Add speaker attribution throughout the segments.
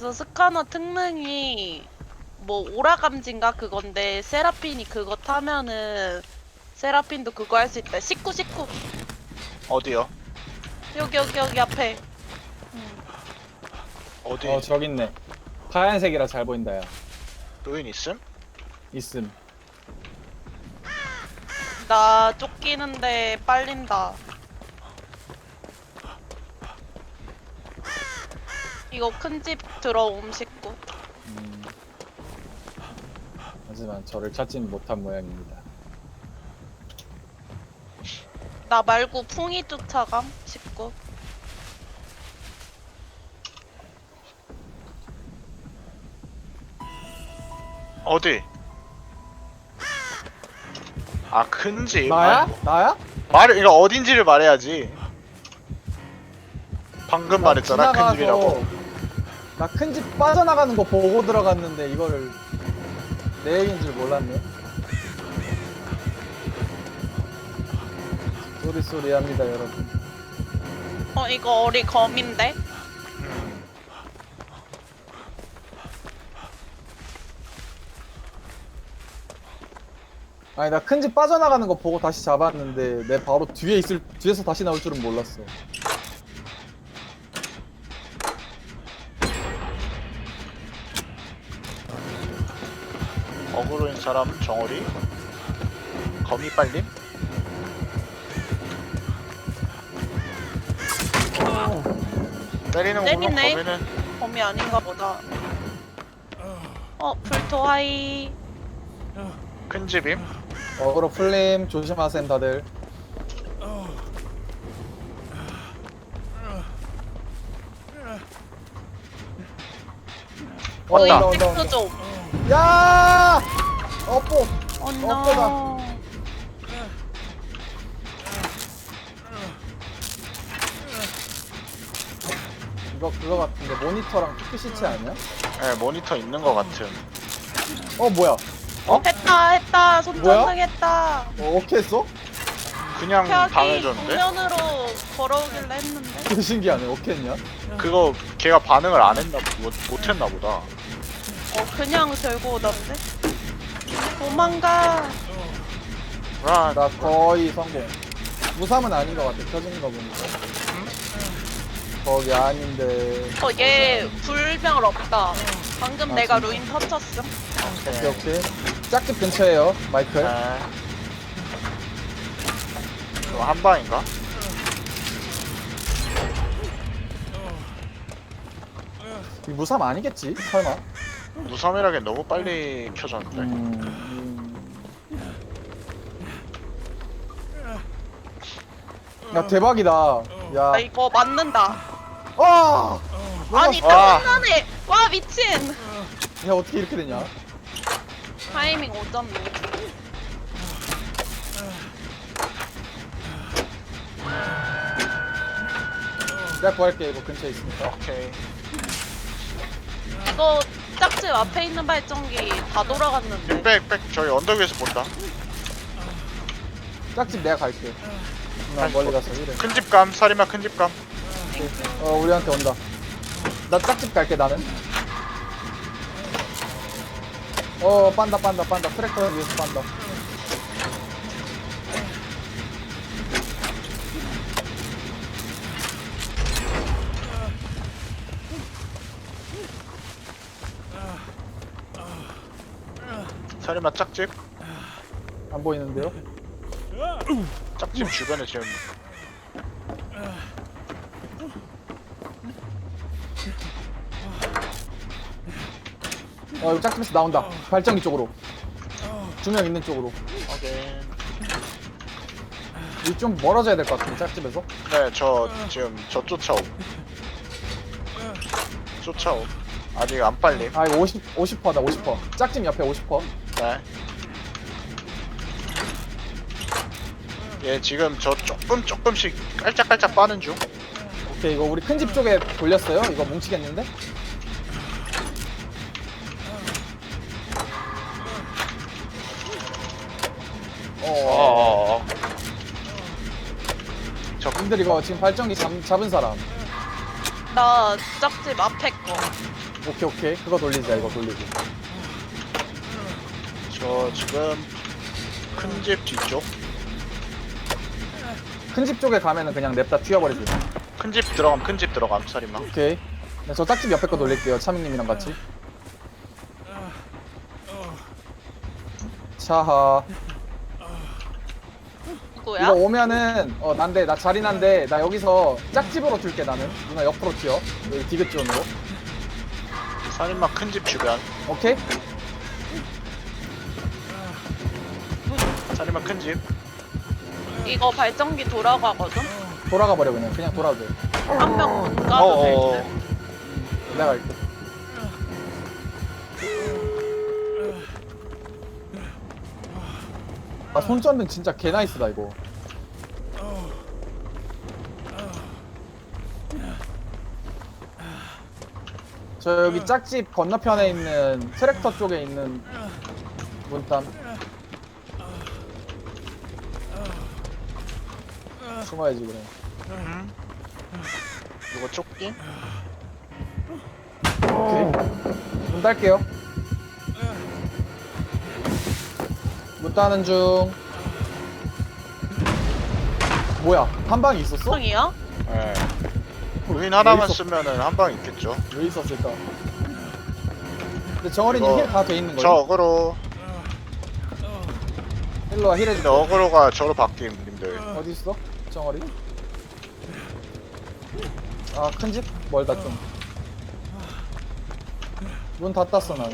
Speaker 1: 그래서 스카너 특능이 뭐 오라감지인가 그건데 세라핀이 그거 타면은 세라핀도 그거 할 수 있다. 19
Speaker 2: 어디요?
Speaker 1: 여기 앞에.
Speaker 2: 어디?
Speaker 3: 저기 있네. 하얀색이라 잘 보인다 야.
Speaker 2: 루인 있음?
Speaker 3: 있음.
Speaker 1: 나 쫓기는데 빨린다. 이거 큰 집 들어옴 식구.
Speaker 3: 하지만 저를 찾지는 못한 모양입니다.
Speaker 1: 나 말고 풍이 쫓아감 식구.
Speaker 2: 어디? 아, 큰 집.
Speaker 3: 나야?
Speaker 2: 아니,
Speaker 3: 나야?
Speaker 2: 이거 어딘지를 말해야지. 방금 말했잖아, 큰 집이라고.
Speaker 3: 나 큰 집 빠져나가는 거 보고 들어갔는데 이거를 내 얘기인 줄 몰랐네. 쏘리 합니다 여러분.
Speaker 1: 이거 어리 검인데?
Speaker 3: 아니 나 큰 집 빠져나가는 거 보고 다시 잡았는데 내 바로 뒤에서 다시 나올 줄은 몰랐어.
Speaker 2: 어그로인 사람 정어리? 거미 빨림? 때리는 거는
Speaker 1: 때리네.
Speaker 2: 거미는
Speaker 1: 검이 아닌가 보다. 불토하이.
Speaker 2: 큰 집임?
Speaker 3: 어그로 풀림 조심하셈 다들.
Speaker 2: 왔다.
Speaker 1: 이 식구 좀.
Speaker 3: 야! 어뽀.
Speaker 1: no.
Speaker 3: 이거 그거 같은데 모니터랑 PC체 아니야?
Speaker 2: 네, 모니터 있는 거 같은.
Speaker 3: 뭐야?
Speaker 1: 했다. 손전등했다.
Speaker 3: 어떻게 했어?
Speaker 2: 그냥
Speaker 1: 벽이
Speaker 2: 당해줬는데?
Speaker 1: 정면으로 걸어오길래 했는데.
Speaker 3: 되게 신기하네. 어떻게 했냐?
Speaker 2: 그거 걔가 반응을 안 했나, 못했나 보다.
Speaker 1: 그냥 들고 오던데. 도망가.
Speaker 2: 라,
Speaker 3: 나 거의 성공. 무삼은 아닌 것 같아. 켜지는 거 보니까. 거기 아닌데.
Speaker 1: 얘 불병을 없다. 방금
Speaker 3: 아,
Speaker 1: 내가
Speaker 3: 진짜?
Speaker 1: 루인 터쳤음.
Speaker 3: 오케이. 짝집 근처에요. 마이클.
Speaker 2: 네. 이거 한 방인가?
Speaker 3: 이 무삼 아니겠지? 설마?
Speaker 2: 무삼이라기엔 너무 빨리 켜졌는데.
Speaker 3: 야 대박이다. 야.
Speaker 1: 이거 맞는다. 아니
Speaker 2: 와.
Speaker 1: 끝나네. 와 미친.
Speaker 3: 야 어떻게 이렇게 되냐?
Speaker 1: 타이밍 오졌네.
Speaker 3: 내가 구할게. 이거 근처에 있으니까.
Speaker 2: 오케이.
Speaker 1: 이거 짝집 앞에 있는 발전기 다 돌아갔는데.
Speaker 2: 백, 저희 언덕 위에서 본다.
Speaker 3: 짝집 내가 갈게. 나 멀리 가서 이래.
Speaker 2: 큰 집감, 살인마 큰 집감.
Speaker 3: 우리한테 온다. 나 짝집 갈게 나는. 빤다. 트랙터 위에서 빤다.
Speaker 2: 살인마 짝집.
Speaker 3: 안 보이는데요?
Speaker 2: 짝집 주변에 지금
Speaker 3: 이거 짝집에서 나온다. 발전기 쪽으로. 두 명 있는 쪽으로.
Speaker 2: 확인.
Speaker 3: 이 좀 멀어져야 될 것 같은데 짝집에서.
Speaker 2: 네, 저 지금 저 쫓아옴. 아직 안 빨림.
Speaker 3: 이거 50%다 50%. 짝집 옆에 50%.
Speaker 2: 네. 얘 지금 저 조금씩 깔짝깔짝 빠는 중.
Speaker 3: 오케이 이거 우리 큰 집 쪽에 돌렸어요. 이거 뭉치겠는데?
Speaker 2: 저
Speaker 3: 님들 이거 지금 발전기 잡은 사람.
Speaker 1: 나 짝집 앞에 거.
Speaker 3: 오케이 오케이 그거 돌리자 이거 돌리고.
Speaker 2: 저 지금 큰 집 뒤쪽.
Speaker 3: 큰 집 쪽에 가면은 그냥 냅다 튀어버리지.
Speaker 2: 큰 집 들어감, 큰 집 들어감, 살인마.
Speaker 3: 오케이. 네, 저 짝집 옆에 거 돌릴게요. 차밍님이랑 같이. 차하.
Speaker 1: 누구야?
Speaker 3: 이거 오면은 난데 나 자리난데 나 여기서 짝집으로 튈게 나는. 누나 옆으로 튀어. 여기 디귿존으로.
Speaker 2: 살인마 큰 집 주변.
Speaker 3: 오케이.
Speaker 2: 살인마 큰 집.
Speaker 1: 이거 발전기 돌아가거든?
Speaker 3: 돌아가 버려 그냥 돌아도 돼.
Speaker 1: 한 명 문 가도 될
Speaker 2: 어어.
Speaker 1: 듯.
Speaker 3: 내가 갈게. 아 손전등 진짜 개 나이스다 이거. 저 여기 짝집 건너편에 있는 트랙터 쪽에 있는 문담 숨어야지 그래.
Speaker 2: 이거 조끼?
Speaker 3: 오케이. 문 딸게요. 문 따는 중. 뭐야? 한 방이 있었어?
Speaker 1: 형이야?
Speaker 2: 예. 루인 하나만
Speaker 3: 있었-
Speaker 2: 쓰면은 한 방 있겠죠.
Speaker 3: 왜 있었을까? 근데 정어리님
Speaker 2: 이거
Speaker 3: 힐 다 돼 있는
Speaker 2: 저
Speaker 3: 거예요?
Speaker 2: 어그로.
Speaker 3: 힐러와 힐
Speaker 2: 근데
Speaker 3: 해줄게.
Speaker 2: 어그로가 저로 바뀜, 님들.
Speaker 3: 어디 있어? 정어리? 아, 큰 집? 멀다 좀. 문 다 땄어 난.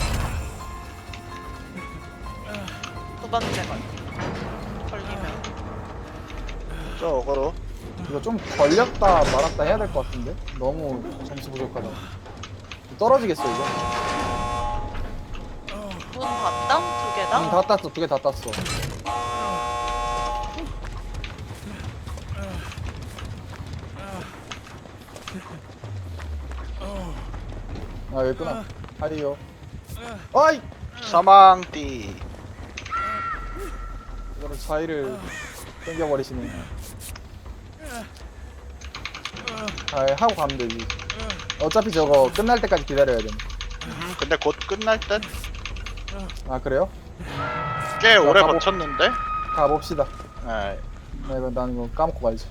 Speaker 1: 두 번째 걸. 걸리면.
Speaker 2: 저 어그로.
Speaker 3: 이거 좀 걸렸다 말았다 해야 될 것 같은데? 너무 점수 부족하다. 떨어지겠어 이거.
Speaker 1: 문 닫다? 두 개다?
Speaker 3: 문 다 땄어. 두 개 다 땄어. 아 여기 있구나. 하리요. 어이!
Speaker 2: 사망띠.
Speaker 3: 이거를 자의를 땡겨버리시네. 아 하고 가면 되지. 어차피 저거 끝날 때까지 기다려야 돼.
Speaker 2: 근데 곧 끝날 듯?
Speaker 3: 아 그래요?
Speaker 2: 꽤 오래
Speaker 3: 가보-
Speaker 2: 버텼는데?
Speaker 3: 가봅시다.
Speaker 2: 예.
Speaker 3: 나 이거 난 이거 까먹고 가야지.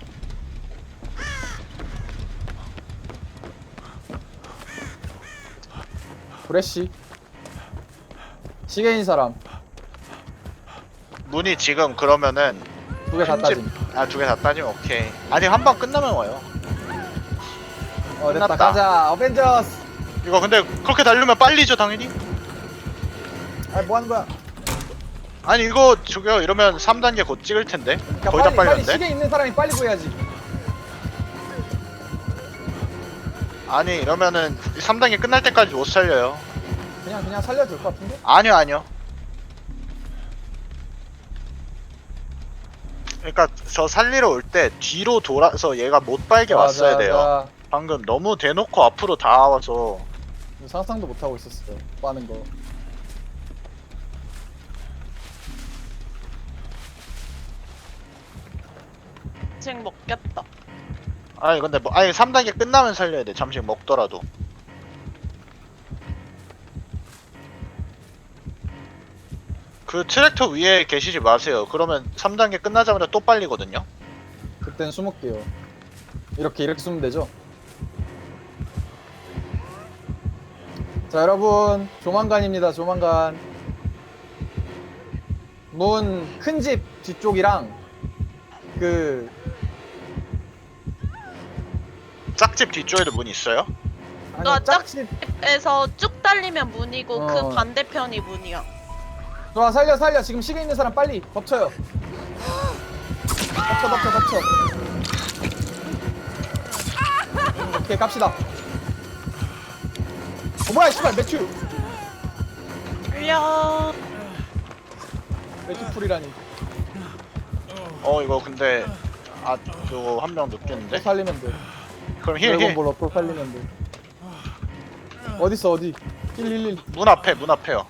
Speaker 3: 브레쉬 시계인 사람
Speaker 2: 문이 지금 그러면은
Speaker 3: 두 개 다
Speaker 2: 큰
Speaker 3: 따짐.
Speaker 2: 집- 아, 두 개 다 따지면 오케이. 아니, 한 방 끝나면 와요.
Speaker 3: 됐다
Speaker 2: 끝났다.
Speaker 3: 가자 어벤져스.
Speaker 2: 이거 근데 그렇게 달리면 빨리죠, 당연히?
Speaker 3: 아 뭐하는 거야?
Speaker 2: 아니, 이거 저기요, 이러면 3단계 곧 찍을 텐데?
Speaker 3: 그러니까
Speaker 2: 거의 다
Speaker 3: 빨리
Speaker 2: 빨렸는데?
Speaker 3: 시계 있는 사람이 빨리 구해야지.
Speaker 2: 아니, 이러면은 3단계 끝날 때까지 못 살려요.
Speaker 3: 그냥 살려도 될 것 같은데?
Speaker 2: 아니요, 아니요. 그러니까 저 살리러 올 때 뒤로 돌아서 얘가 못 빨게 왔어야 돼요. 방금 너무 대놓고 앞으로 다 와서.
Speaker 3: 상상도 못 하고 있었어요. 빠는 거.
Speaker 1: 지금 먹겠다.
Speaker 2: 아니, 근데 뭐, 아니, 3단계 끝나면 살려야 돼. 잠시 먹더라도. 그 트랙터 위에 계시지 마세요. 그러면 3단계 끝나자마자 또 빨리거든요.
Speaker 3: 그땐 숨을게요. 이렇게 숨으면 되죠? 자 여러분 조만간입니다. 조만간. 문 큰 집 뒤쪽이랑 그
Speaker 2: 짝집 뒤쪽에도 문 있어요?
Speaker 1: 너
Speaker 3: 아니 짝집.
Speaker 1: 에서 쭉 달리면 문이고
Speaker 3: 어.
Speaker 1: 그 반대편이 문이야.
Speaker 3: 좋아 살려 지금 시계 있는 사람 빨리 덮쳐요. 덮쳐. 오케이 갑시다. 뭐야 씨발 매튜
Speaker 1: 끌려.
Speaker 3: 풀이라니.
Speaker 2: 이거 근데 이거 한 명
Speaker 3: 또
Speaker 2: 늦겠는데?
Speaker 3: 살리면 돼.
Speaker 2: 그럼 힐.
Speaker 3: 드래곤볼로 또 살리면 돼. 어딨어 어디? 111.
Speaker 2: 문 앞에요.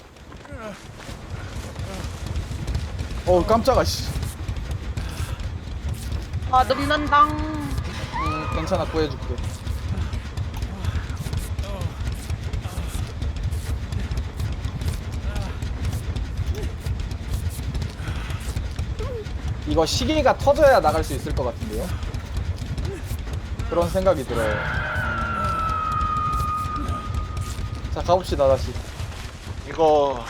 Speaker 3: 어우 깜짝아 씨.
Speaker 1: 아 눕는당.
Speaker 3: 괜찮아 구해줄게. 이거 시계가 터져야 나갈 수 있을 것 같은데요? 그런 생각이 들어요. 자, 가봅시다, 다시.
Speaker 2: 이거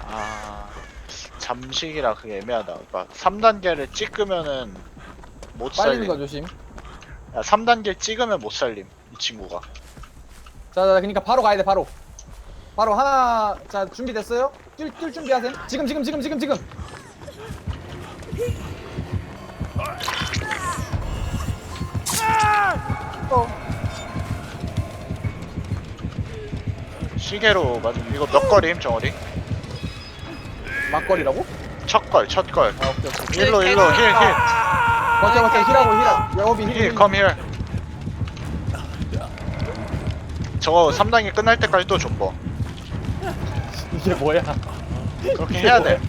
Speaker 2: 잠식이라 그게 애매하다. 그러니까 3단계를 찍으면은 못
Speaker 3: 빨리는 거
Speaker 2: 살림.
Speaker 3: 조심.
Speaker 2: 야, 3단계 찍으면 못 살림. 이 친구가.
Speaker 3: 자, 그러니까 바로 가야 돼, 바로. 바로 하나, 자, 준비됐어요? 뛸 준비하세요. 지금.
Speaker 2: 시계로 맞은 이거 몇 걸임 정어리?
Speaker 3: 막걸리라고?
Speaker 2: 첫걸.
Speaker 3: 아, 오케이.
Speaker 2: 일로 힐.
Speaker 3: 버텨, 힐하고. 여기
Speaker 2: 힐, come here. 저거 3단계 끝날 때까지 또 존버.
Speaker 3: 이게 뭐야?
Speaker 2: 그렇게 해야 돼.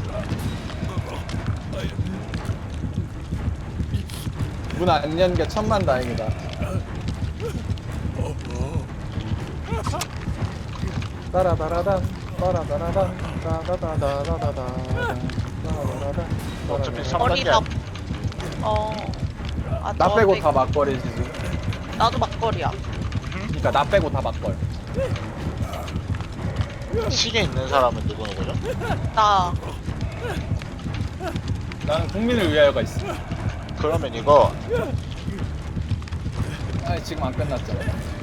Speaker 3: 문 안 연 게 천만 다행이다. 따라다라단, 따라다라단, 따다다다다다단, 따라다라단.
Speaker 2: 어차피
Speaker 1: 머리
Speaker 2: 3단계
Speaker 3: 나 빼고 다 막걸리지 지금.
Speaker 1: 나도 막걸리야.
Speaker 3: 그러니까 나 빼고 다 막걸.
Speaker 2: 시계 있는 사람은 누구죠?
Speaker 1: 나
Speaker 3: 나는 국민을 위하여가 있어.
Speaker 2: 그러면 이거
Speaker 3: 아니 지금 안 끝났잖아.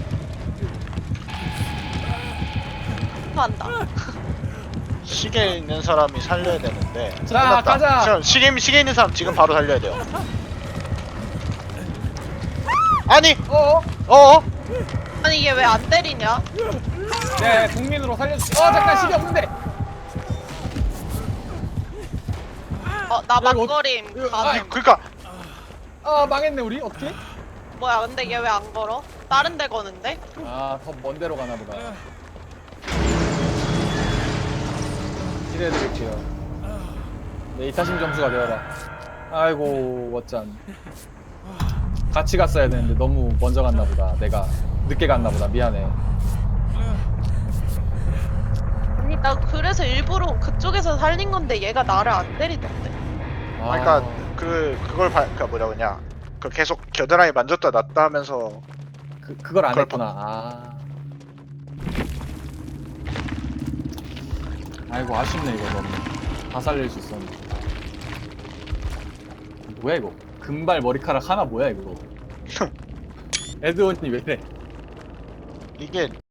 Speaker 1: 한다.
Speaker 2: 시계 있는 사람이 살려야 되는데.
Speaker 3: 자,
Speaker 2: 끝났다.
Speaker 3: 가자.
Speaker 2: 지금 시계 있는 사람 지금 바로 살려야 돼요. 아니,
Speaker 3: 어어?
Speaker 1: 아니 얘 왜 안 때리냐?
Speaker 3: 네, 국민으로 살려주. 잠깐 시계 없는데.
Speaker 1: 나
Speaker 3: 이거
Speaker 1: 막걸림.
Speaker 3: 이거-
Speaker 1: 가능.
Speaker 2: 그러니까
Speaker 3: 망했네 우리 어떻게?
Speaker 1: 뭐야 근데 얘 왜 안 걸어? 다른 데 거는데?
Speaker 3: 더 먼 데로 가나 보다. 기대해드릴게요. 네, 이타심 점수가 되어라. 아이고, 어짠. 같이 갔어야 되는데 너무 먼저 갔나 보다. 내가 늦게 갔나 보다. 미안해.
Speaker 1: 아니 나 그래서 일부러 그쪽에서 살린 건데 얘가 나를 안 때리던데.
Speaker 2: 그러니까 그러니까 뭐라 그러냐. 그 계속 겨드랑이 만졌다 놨다 하면서
Speaker 3: 그걸 안
Speaker 2: 그걸
Speaker 3: 했구나. 아이고, 아쉽네, 이거 너무. 다 살릴 수 있었는데. 뭐야, 이거? 금발 머리카락 하나 뭐야, 이거? 에드원이 왜 이래?
Speaker 2: 이게